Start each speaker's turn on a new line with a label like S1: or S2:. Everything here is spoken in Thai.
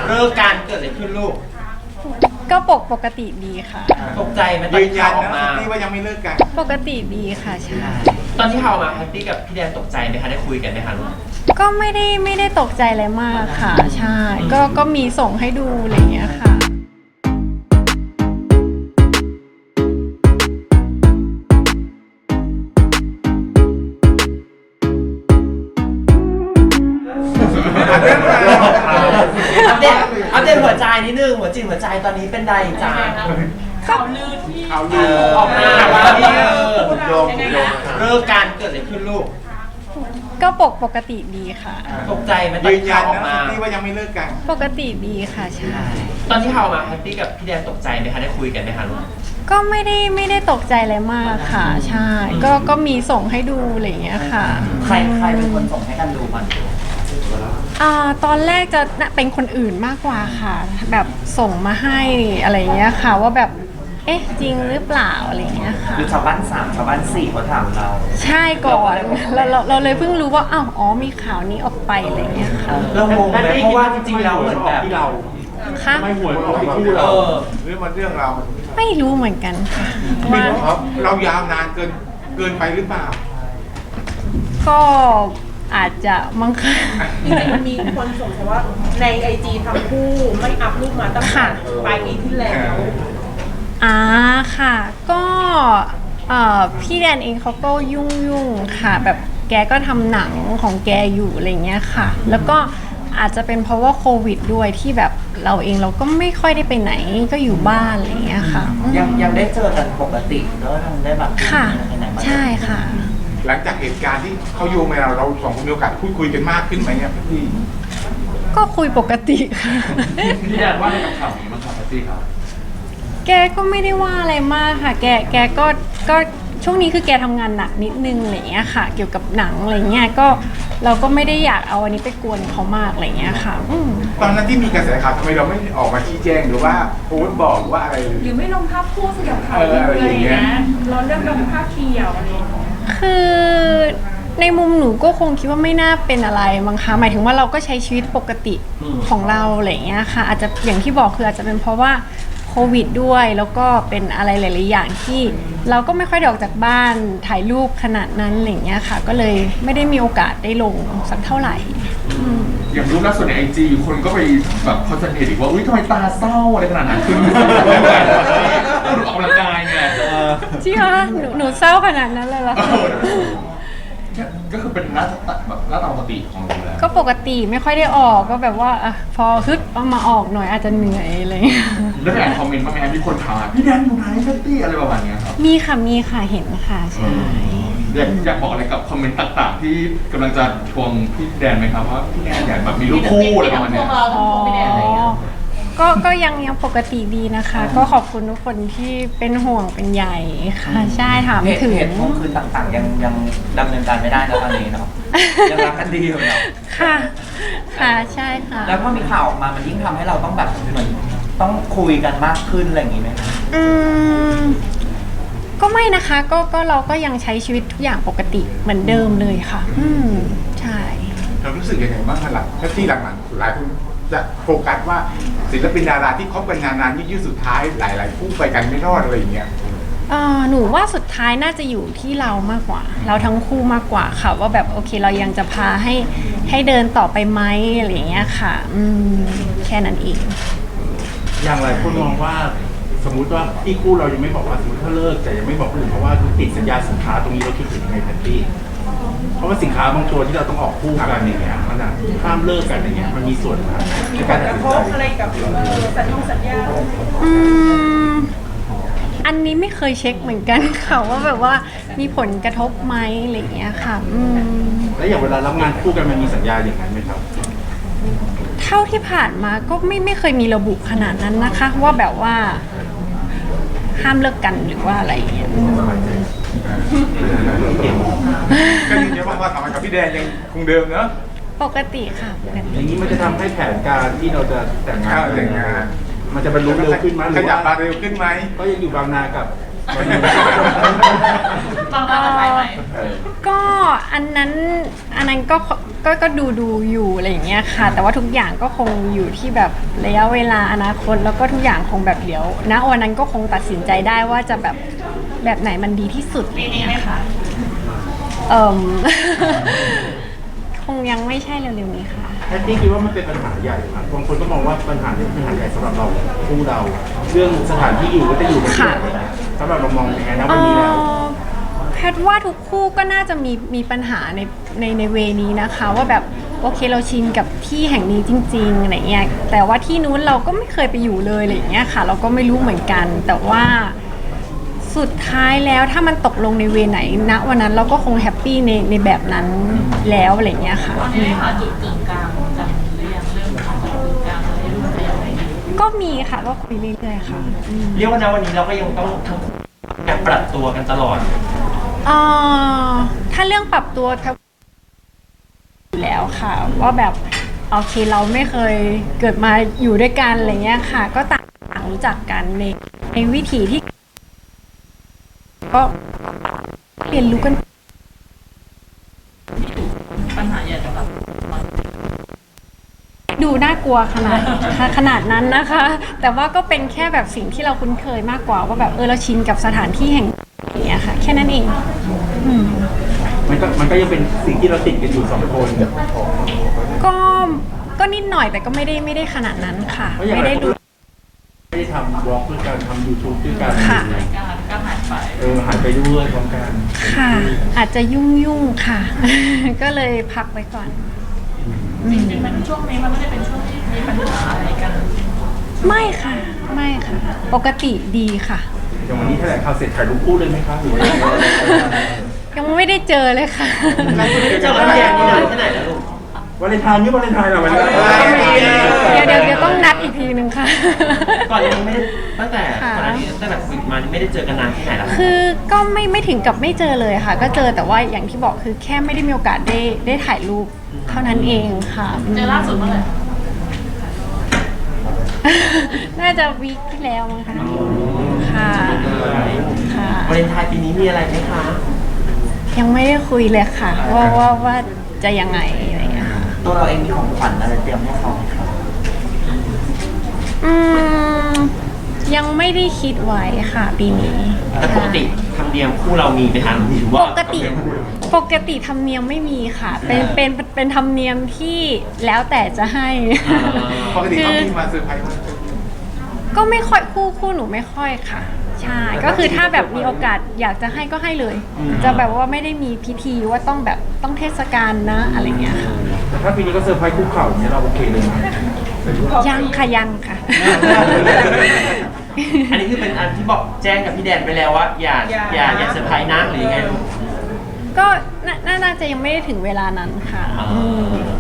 S1: เลิกการเกิดอะไรขึ้นลูก
S2: ก็ปกติดีค่ะ
S1: ตกใจไหมตอนที่ข่าวออกมา
S3: ที่ว่ายังไม่เลิกกัน
S2: ปกติดีค่ะใช่
S1: ตอนที่ข่าวมาแฮปปี้กับพี่แดนตกใจไหมคะได้คุยกันไหมคะลูก
S2: ก็ไม่ได้ตกใจอะไรมากค่ะใช่ก็มีส่งให้ดูอะไรอย่างเงี้ยค่ะ
S1: อัปเดตหัวใจนิดนึงหัวจิตหัวใจตอนนี้เป็นใดจ้า
S4: ข่าวลือที่
S1: ออกมาว่าพี่เลิกการเกิดอะไรขึ้นลูก
S2: ก็ปกติดีค่ะ
S1: ตกใจไหมตอนที่ข่าวออกมา
S3: ที่ว่ายังไม่เลิกกัน
S2: ปกติดีค่ะใช่
S1: ตอนที่ข่าวมาแฮปปี้กับพี่แดนตกใจไหมคะได้คุยกันไหมคะลูก
S2: ก็ไม่ได้ตกใจอะไรมากค่ะใช่ก็มีส่งให้ดูอะไรอย่างเงี้ยค่ะ
S1: ใครเป็นคนส่งให้กันดูมัน
S2: ตอนแรกจะเป็นคนอื่นมากกว่าค่ะแบบส่งมาให้อะไรเงี้ยค่ะว่าแบบเอ๊ะจริงหรือเปล่าอะไรเงี้ยค่ะ
S1: คือชาวบ้าน3ชาวบ้าน4เขาถามเรา
S2: ใช่ก่อนเราเลยเพิ่งรู้ว่าอ๋อมีข่าวนี้ออกไปอะไรเงี้ยค่ะ
S1: เรางงไหมเพราะว่าจริงๆเราเหมือนแบบ
S3: ที่เรา
S2: ค่ะ
S3: ไม่หวยออกที่คู่เราหรือมันเรื่องเรา
S2: ไม่รู้เหมือนกันค่ะ
S3: ว่าเรายาวนานเกินไปหรือเปล่า
S2: ก็อาจจะมั้งค่ะ
S4: มีคนส่งว่าในIGทั้งคู่ไม่อัพรูปมาตั้งแต่ปลายปีที่แล้ว
S2: ค่ะก็พี่แดนเองเขาก็ยุ่งค่ะแบบแกก็ทำหนังของแกอยู่อะไรเงี้ยค่ะแล้วก็อาจจะเป็นเพราะว่าโควิดด้วยที่แบบเราก็ไม่ค่อยได้ไปไหนก็อยู่บ้านอะไรเงี้ยค่ะ
S1: ยังได้เจอกันปกติแล้วได้แบบ
S2: ค่ะใช่ค่ะ
S3: หลังจากเหตุการณ์ที่เขาโยงมาเราสองคนมีโอกาสพูดคุยกันมากขึ้นไหมเนี่ยพี่
S2: ก็คุยปกติค่ะ
S3: พี่แดนว่าในกับข่าวนี้มั้งครับพี่ครับ
S2: แกก็ไม่ได้ว่าอะไรมากค่ะแกก็ช่วงนี้คือแกทำงานหนักนิดนึงอะไรเงี้ยค่ะเกี่ยวกับหนังอะไรเงี้ยก็เราก็ไม่ได้อยากเอาอันนี้ไปกวนเขามากอะไรเงี้ยค่ะ
S3: ตอนนั้นที่มีกระแสข่าวทำไมเราไม่ออกมาชี้แจงหรือว่าโพสต์บอกว่าอะไร
S4: หรือไม่ลงภาพคู่สยบข่าวอะไรอย่างเงี้ยเราเลือกลงภาพเดียวอะไรอย่างเงี้ย
S2: คือในมุมหนูก็คงคิดว่าไม่น่าเป็นอะไรมั้งคะหมายถึงว่าเราก็ใช้ชีวิตปกติของเราอะไรเงี้ยค่ะอาจจะอย่างที่บอกคืออาจจะเป็นเพราะว่าโควิดด้วยแล้วก็เป็นอะไรหลายๆอย่างที่เราก็ไม่ค่อยได้ออกจากบ้านถ่ายรูปขนาดนั้นอะไรเงี้ยค่ะก็เลยไม่ได้มีโอกาสได้ลงสักเท่าไหร่
S3: อย่างรูปล่าสุดในIGคนก็ไปแบบคอนเซนเทรตอีกว่าอุ้ยทำไมตาเศร้าอะไรขนาดนั้นคือดูออกกำลังกายไง
S2: จริงเหรอหนูเศร้าขนาดนั้นเลยเหรอ
S3: ก็คือเป็นหน้าตาปกติของเราแล้ว
S2: ก็ปกติไม่ค่อยได้ออกก็แบบว่าพอฮึดเอามาออกหน่อยอาจจะเหนื่อยอะไร
S3: แล้วอ่านคอมเมนต์บ้างไหมครับมีคนถามพี่แดนอยู่ไหนแพตตี้อะไรประมาณนี้ครับ
S2: มีค่ะเห็นค่ะใช่
S3: อยากบอกอะไรกับคอมเมนต์ต่างๆที่กำลังจะทวงพี่แดนไหมครับว่าพี่แดนอยากแบบมีรูปคู่อะไรประมาณนี้
S2: ก็ยังปกติดีนะคะก็ขอบคุณทุกคนที่เป็นห่วงเป็นใยค่ะใช่ถามถึง
S1: เหตุผลคือต่างๆยังดำเนินการไม่ได้นะตอนนี้เนาะยังรักกันดีอยู่เนาะ
S2: ค่ะใช่ค่ะ
S1: แล้วพอมีข่าวออกมามันยิ่งทำให้เราต้องแบบเหมือนต้องคุยกันมากขึ้นอะไรอย่างนี้ไหม
S2: ก็ไม่นะคะก็เราก็ยังใช้ชีวิตทุกอย่างปกติเหมือนเดิมเลยค่ะใช่
S3: เรารู้สึกยังไงบ้างคะหลังที่หลังๆหลายคนจะโฟกัสว่าศิลปินดาราที่คบกันนานๆยืดสุดท้ายหลายๆคู่ไปกันไม่รอดอะไรอย่างเงี้ย
S2: หนูว่าสุดท้ายน่าจะอยู่ที่เรามากกว่าเราทั้งคู่มากกว่าค่ะว่าแบบโอเคเรายังจะพาให้เดินต่อไปไหมอะไรอย่างเงี้ยค่ะแค่นั้นเอง
S5: อย่างไรคนมองว่าสมมุติว่าที่คู่เรายังไม่บอกว่าสมมติถ้าเลิกแต่ยังไม่บอกคนอื่นเพราะว่าติดสัญญาสินค้าตรงนี้เราคิดถึงยังไงแพตตี้เพราะว่าสินค้าบางตัวที่เราต้องออกคู่กันอย่างเงี้ยมันห้ามเลิกกันอย่างเงี้ยมันมีส่วนในการตัดสินใจ
S4: อะไรกับสัญญา
S2: อันนี้ไม่เคยเช็คเหมือนกันค่ะว่าแบบว่ามีผลกระทบไหมอะไรอย่างเงี้ยค่ะ
S5: แล้วอย่างเวลารับงานคู่กันมันมีสัญญาอย่างนั้นไหมครับ
S2: เท่าที่ผ่านมาก็ไม่เคยมีระบุขนาดนั้นนะคะว่าแบบว่าห้ามเลิกกันหรือว่าอะไรอย่างเงี้ย
S3: ก็ยืนยันว่าทำงานกับพี่แดนยังคงเดิมเนอะ
S2: ปกติค่ะปกติ
S5: อย่างนี้มันจะทำให้แผนการที่เราจะแต่งงานมันจะบรรลุเร็วขึ้นไหม
S3: ขยับมาเร็วขึ้นไหม
S5: ก็ยังอยู่บางนากับบ
S4: างนาไปไหม
S2: ก็อันนั้นก็ก็ดูอยู่อะไรอย่างเงี้ยค่ะ แต่ว่าทุกอย่างก็คงอยู่ที่แบบระยะเวลาอนาคตแล้วก็ทุกอย่างคงแบบเดี๋ยวณวันนั้นก็คงตัดสินใจได้ว่าจะแบบไหนมันดีที่สุดอะไรอย่างเงี้ยค่ะคงยังไม่ใช่เร็วๆนี้ค่ะ
S5: แพตตี้คิดว่ามันเป็นปัญหาใหญ่ไหมบางคนก็มองว่าปัญหานี้เป็นปัญหาใหญ่สำหรับเราคู่เรา เรื่องสถานที่อยู่ก็จะอยู่กันที่ไหนสำหรับเรามองยังไงนะวันนี้แล้ว
S2: แพทย์ว่าทุกคู่ก็น่าจะมีปัญหาในเวนี้นะคะว่าแบบโอเคเราชินกับที่แห่งนี้จริงๆอะไรเงี้ยแต่ว่าที่นู้นเราก็ไม่เคยไปอยู่เลยอะไรเงี้ยค่ะ เราก็ไม่รู้เหมือนกัน แต่ว่าสุดท้ายแล้วถ้ามันตกลงในเวไหนณวันนั้นเราก็คงแฮปปี้ในแบบนั้นแล้วอะไรเงี้ยค่ะ
S6: ตอนนี้หาจุดกึ่งกลางจากหรือยังเรื่องของจุดกึ่งกลางให้รู้จะยังไง
S2: ก็มีค่ะก็คุยเรื่อยๆค่ะ
S1: เรียกว่านะวันนี้เราก็ยังต้องทั้งคู่การปรับตัวกันตลอด
S2: ถ้าเรื่องปรับตัวอยู่แล้วค่ะ ว่าแบบโอเคเราไม่เคยเกิดมาอยู่ด้วยกันอะไรเงี้ยค่ะ ก็ต่างรู้จักกันในวิถีที่ ก็เรียนรู้กัน
S6: ปัญหาใหญ่สำหรับ
S2: ดูน่ากลัวขนาดนั้นนะคะ แต่ว่าก็เป็นแค่แบบสิ่งที่เราคุ้นเคยมากกว่าว่าแบบเราชินกับสถานที่แห่งนี้ค่ะ แค่นั้นเอง
S5: มันก็ยังเป็นสิ่งที่เราติดกันอยู่2 คน
S2: ก็นิดหน่อยแต่ก็ไม่ได้ขนาดนั้นค่ะ ไม่ได้ดู
S5: ไม่ได้ทำบล็อกด้วยกันทำ YouTube ด้วยกัน
S2: ค่ะ
S6: การก็หายไป
S5: หายไปด้วยพร้อมกัน
S2: ค่ะ อาจจะยุ่งค่ะ ก็เลยพักไว้ก่อน
S6: จริงๆมันช่วงนี้มันไม่ได้เป็นช่วงที่มีปัญหาอะไรกัน
S2: ไม่ค่ะ ปกติดีค่ะ
S5: อย่างวันนี้แถลงข่าวเสร็จถ่ายรูปคู่เลยไหมคะหรือว่ายังไง
S2: ยังไม่ได้เจอเลยค่ะ
S1: เจอกันแยกนี่นานแค่ไหนแล้วลูก
S5: วาเลนไทน์นี่วาเลนไทน์เหรอวันนี้
S2: เดี๋ยวต้องนัดอีกทีนึงค่ะ
S1: ก่อนนี้ไม่ได้ตั้งแต่ก่อนหน้านี้ตั้งแต่ฝึกมานี่ไม่ได้เจอกันนานที่ไหนแล้ว
S2: คือก็ไม่ถึงกับไม่เจอเลยค่ะ ก็เจอแต่ว่าอย่างที่บอกคือแค่ไม่ได้มีโอกาสได้ถ่ายรูปเท่านั้นเองค่ะ
S6: เจอล่าสุดเมื่อไหร่
S2: น่าจะวีคที่แล้วมั้งคะค่ะค่ะ
S1: วาเลนไทน์ปีนี้มีอะไรไหมคะ
S2: ยังไม่ได้คุยเลยค่ะว่าจะยังไงอะไรอย่างเงี้ยค่ะ
S1: ตัวเราเองมีของขวัญอะไรเตรียมให้เขาไหมครับ
S2: ยังไม่ได้คิดไว้ค่ะปีนี้
S1: แต่ปกติธรรมเนียมคู่เรามีไปทางหรือว่า
S2: ปกติธรรมเนียมไม่มีค่ะ เป็นธรรมเนียมที่แล้วแต่จะให้
S3: ปกติเขามีมาเซอร์ไพรส์
S2: ก็ไม่ค่อยคู่หนูไม่ค่อยค่ะ ใช่ก็คือถ้าแบบมีโอกาสอยากจะให้ก็ให้เลย จะแบบว่าไม่ได้มีพิธีว่าต้องเทศกาลนะอะไรเงี้ยค่ะ
S5: แต่ถ้าปีนี้ก็เซอร์ไพรส์คู่เข่าเนี่ยเราโอเคเลยไหม
S2: ยังค่ะ
S1: อันนี้คือเป็นอันที่บอกแจ้งกับพี่แดนไปแล้วว่าอย่าเซอร์ไพรส์นะหรือยังไงลูก
S2: ก็น่าจะยังไม่ได้ถึงเวลานั้นค่ะ
S1: อ่า